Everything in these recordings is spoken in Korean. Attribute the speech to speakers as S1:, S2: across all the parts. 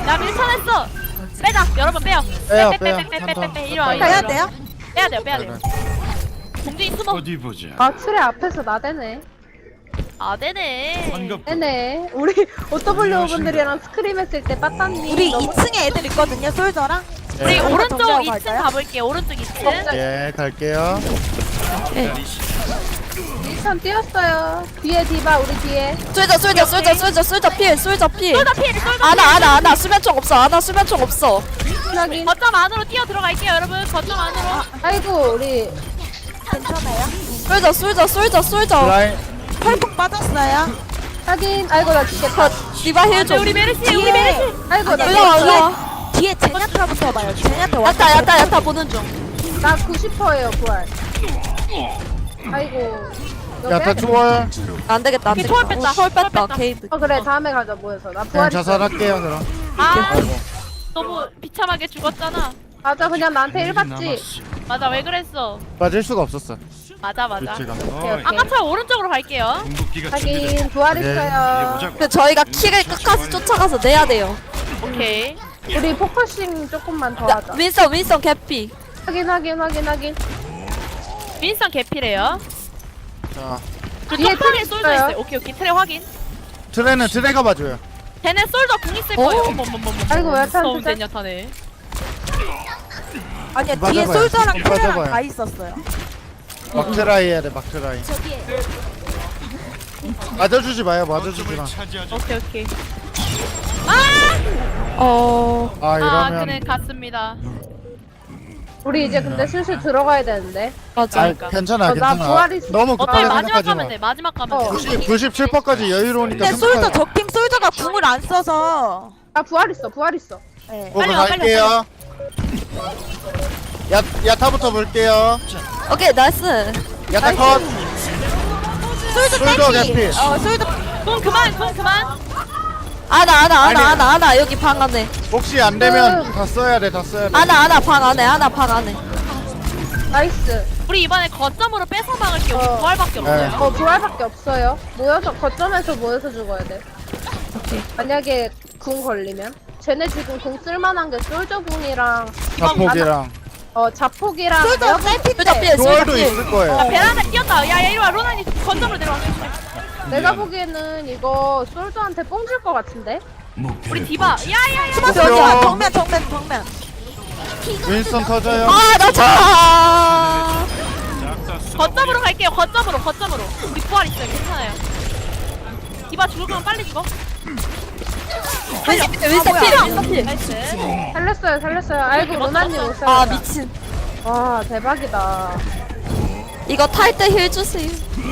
S1: 나 밀쳐냈어. 빼자. 여러분 빼요.
S2: 빼요,
S1: 빼. 이리 와.
S3: 해야 돼요?
S1: 빼야 돼요. 공중이 숨어.
S4: 어디 보자.
S5: 아 트레 앞에서 나대네.
S1: 아 되네.
S4: 반갑.
S5: 네네. 우리 오토블루 분들이랑 스크림 했을 때 빠따님
S3: 우리
S5: 너무
S3: 2층에 애들 있거든요. 솔저랑.
S1: 우리
S2: 예,
S1: 오른쪽
S3: 정리하고
S1: 2층
S3: 갈까요?
S1: 가볼게요. 오른쪽 2층.
S2: 예, 갈게요.
S5: 일선 뛰었어요. 뒤에 디바 우리 뒤에.
S3: 솔저 필.
S1: 쏠다 필.
S3: 아나 수면총 없어.
S5: 확인.
S1: 거점 안으로 뛰어 들어갈게요, 여러분. 거점 안으로.
S5: 아이고 우리
S3: 괜찮아요? 솔저.
S2: 라인,
S3: 팔폭 빠졌어요.
S5: 확인. 아이고 나 죽겠다.
S3: 디바 힐 좀.
S1: 우리 메르시.
S5: 아이고 나
S3: 올라와. 뒤에 제냐타부터 봐요. 제냐타 왔다. 야타 보는 중.
S5: 나 90%예요 부활. 아이고.
S2: 야, 다 추월.
S3: 안 되겠다.
S1: 오케이, 초월 뺐다.
S3: 초월 뺐다.
S1: 초월 뺐다.
S3: 게이드.
S5: 그래 다음에 가자 모여서. 나
S2: 그냥
S5: 부활. 있어.
S2: 자살할게요, 그럼.
S1: 아,
S2: 아이고.
S1: 너무 비참하게 죽었잖아.
S5: 맞아 그냥 나한테 1 받지.
S1: 맞아, 왜 그랬어?
S2: 빠질 수가 없었어.
S1: 맞아.
S2: 위치가.
S1: 아까처럼 오른쪽으로 갈게요.
S4: 궁극기가 준비됐다.
S5: 확인. 부활
S2: 네.
S5: 있어요.
S4: 보자고.
S3: 근데 저희가 킬을 끝까지 쫓아가서 내야 돼요.
S1: 오케이.
S5: 우리 포커싱 조금만 더 하자.
S3: 윈선 개피.
S5: 확인.
S1: 윈선 개피래요.
S2: 자,
S1: 그
S5: 뒤에
S1: 쪽팔에
S5: 트레
S1: 솔져
S5: 있어요.
S1: 있어요. 오케이. 트레 확인.
S2: 트레는 트레가 봐줘요.
S1: 쟤네 솔져 궁 있을 거예요. 어머머머머.
S5: 아이고, 왜 타는
S1: 무서운
S5: 진짜?
S1: 젠야타네.
S3: 아니야
S2: 뒤에 솔저랑 트레랑 다
S3: 있었어요.
S2: 막트라이 해야 돼, 막트라이. 맞아주지 마요, 맞아주지 마.
S4: 거점을 차지하자.
S1: 오케이.
S2: 아,
S1: 그는
S2: 이러면.
S1: 갔습니다.
S5: 우리 이제 근데 슬슬 들어가야 되는데.
S3: 맞아.
S2: 아, 괜찮아,
S5: 나
S2: 괜찮아.
S5: 부활 있어.
S2: 너무
S1: 어차피
S2: 급하게
S1: 마지막
S2: 생각하지
S1: 가면
S2: 마.
S1: 돼. 마지막 가면 돼.
S2: 97%까지 여유로우니까
S3: 근데 솔저
S2: 생각하지
S3: 적팀 솔저가 궁을 안 써서.
S5: 나 부활 있어.
S3: 네.
S2: 보고
S1: 빨리 와, 빨리
S2: 갈게요. 야타부터 볼게요.
S3: 오케이 나이스.
S2: 야타 컷.
S3: 솔저
S2: 솔저
S3: 개피.
S2: 개피.
S3: 솔저.
S1: 궁 그만.
S3: 아나 여기 방 안에.
S2: 혹시 안 되면 다 써야 돼, 다 써야 돼.
S3: 아나 방 안에.
S5: 나이스.
S1: 우리 이번에 거점으로 뺏어 막을게요. 우리
S5: 어.
S1: 부활밖에 없어요.
S5: 부활밖에 없어요. 거점에서 모여서 죽어야 돼.
S3: 오케이.
S5: 만약에 궁 걸리면. 쟤네 지금 궁 쓸만한 게 솔저 궁이랑
S2: 자폭이랑
S5: 자폭이랑
S3: 솔저 필.
S2: 조얼도 있을 거예요.
S1: 야, 베란다 뛰었다. 야, 이리 와. 로나니 거점으로 내려와.
S5: 내가 보기에는 이거 솔저한테 뽕줄 것 같은데.
S1: 우리 디바. 야야야.
S2: 여기야.
S3: 정면.
S2: 윈스턴 터져요.
S3: 나 차.
S1: 거점으로 갈게요. 거점으로. 우리 부활 있어요. 괜찮아요. 디바 죽을 거면 빨리 죽어.
S3: 윈선 필.
S1: 나이스.
S5: 살렸어요. 아이고 로나님 오세요.
S3: 아 미친.
S5: 와 대박이다.
S3: 이거 탈 때 힐 주세요.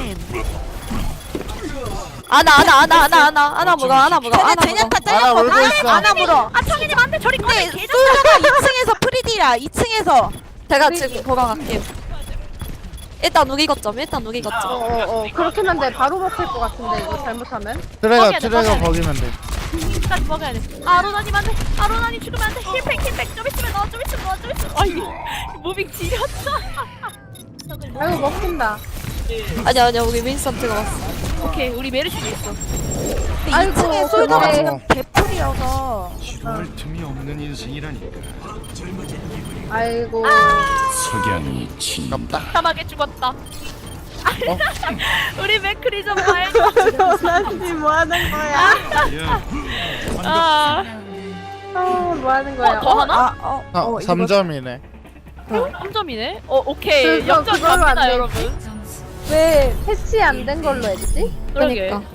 S3: 아나 물어.
S2: 하나 물고 있어.
S3: 물어.
S1: 아, 청이님 안 돼. 저리 꺼내.
S3: 솔저가 2층에서 프리디라 2층에서 제가 지금 보강할게요. 일단 누기 거점.
S5: 그렇긴 한데 바로 먹힐 것 같은데 이거 잘못하면.
S2: 트레가
S1: 뻐겨야 돼.
S2: 거기면 돼.
S1: 끝까지 먹어야 돼. 아, 로나님 안 돼. 아, 로나님 죽으면 안 돼. 힐팩. 좀 있으면 넣어. 아이, 무빙 지렸다.
S5: 아이고 먹힌다.
S3: 아니야 우리 윈선 들어갔어.
S1: 오케이, 우리 메르시도 있어.
S5: 아이고
S3: 2층에 솔저가
S5: 근데
S3: 지금 개풀이어서
S4: 지루할 틈이 없는 인생이라니까.
S5: 아이고
S4: 석양이 진.
S1: 참하게 죽었다.
S2: 어?
S1: 우리 맥크리 좀 말고.
S5: 로나님 뭐 하는 거야?
S4: 야,
S1: 아,
S5: 뭐 하는 거야?
S1: 더 하나?
S2: 3점이네.
S1: 3점이네? 오케이.
S5: 그거-
S1: 역전
S5: 그걸로 안
S1: 갑니다,
S5: 돼.
S1: 여러분.
S5: 왜 패치 안 된 걸로 했지?
S1: 그러게.
S3: 그러니까.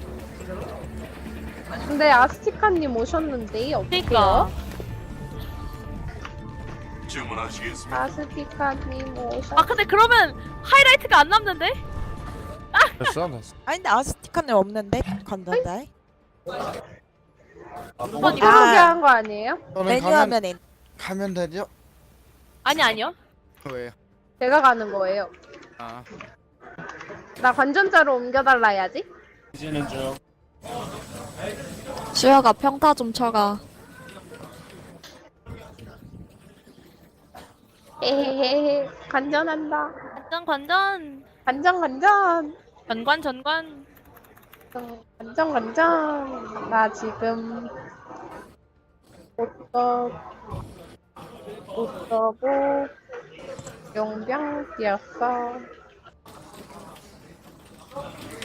S5: 근데 아스티카님 오셨는데 어떡해요?
S1: 그러니까.
S5: 아스티카님 오셨.
S1: 아, 근데 그러면 하이라이트가 안 남는데?
S2: 됐어.
S3: 아니 근데 아스티카는 없는데 건전자에
S1: 한번
S5: 이거
S1: 이거.
S5: 소개한 거 아니에요?
S2: 저는
S3: 메뉴 화면에
S2: 가면 되죠?
S1: 아니요.
S2: 왜요?
S5: 제가 가는 거예요.
S2: 아.
S5: 나 관전자로 옮겨달라 해야지.
S3: 주혁아 평타 좀 쳐가.
S5: 헤헤헤헤 관전한다.
S1: 관전.
S5: 관전.
S1: 전관.
S5: 관전. 나 지금 곧 못 써고 용병 뛰었어.